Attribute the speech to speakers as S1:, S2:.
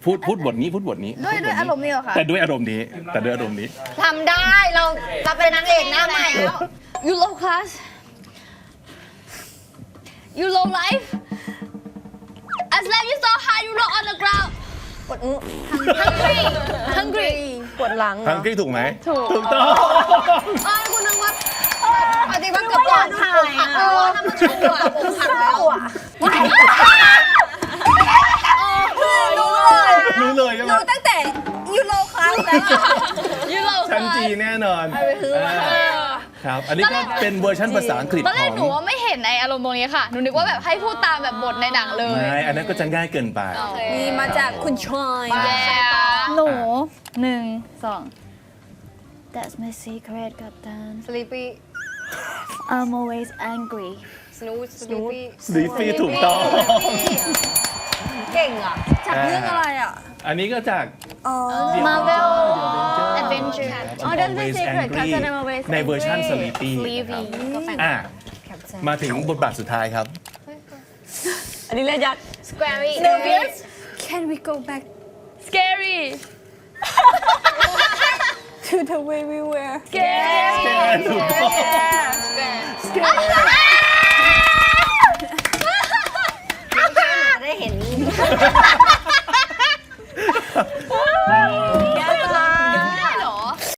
S1: พูดบทนี้
S2: ด้วยอารมณ์นี้เหรอคะ
S1: แต่ด้วยอารมณ์นี้
S3: ทำได้เราเป็นนางเอกหน้าใหม่แล้ว
S2: You low class You low life As life you so high you low on the ground
S3: ปวดอื้อ
S2: hungry
S3: ปวดหลัง
S1: ทังกี้ถูกไหม
S2: ถูก
S1: ต้อง
S3: คุณนึกว่าปฏิบัติกับก่อนถ่ายอ่ะถ้ามันชัวร์ผมหักแล้วอ่ะ
S1: รู้เลยใช่ไหม
S3: รู้ตั้งแต่ยูโรคลาสแล้ว
S2: You low
S1: ชั้น
S2: class
S1: จีแน่นอนครับอันนี้ก็เป็นเวอร์ชันภาษาอังกฤษ
S2: ตอนแร
S1: ข
S2: ก
S1: อง
S2: หนูว่าไม่เห็นไออารมณ์ตรงนี้ค่ะ หนูนึกว่าแบบให้พูดตามแบบบทในหนังเลย
S1: ไม่อันนั้นก็จะง่ายเกินไป
S3: นี่มาจากคุณชอย
S2: หนู1 2 That's my secret กัปตัน
S3: Sleepy
S2: I'm always angry
S3: Snooze Sleepy
S1: สลีฟี่ถูกต้อง
S3: เก่งอ่ะจากเรื่องอะไรอ่ะ
S1: อันนี้ก็จาก
S2: Marvel
S1: Adventure
S2: Adventure
S3: อ๋อ That's the secret Captain I'm always
S1: ในเวอร์ชัน Sleepy นะครับมาถึงบทบาทสุดท้ายครับ
S3: อันนี้เล่นยักษ์
S2: Scary
S3: Can we go back
S2: Scary
S3: to the way we were
S2: Scary
S1: ถูกต้อง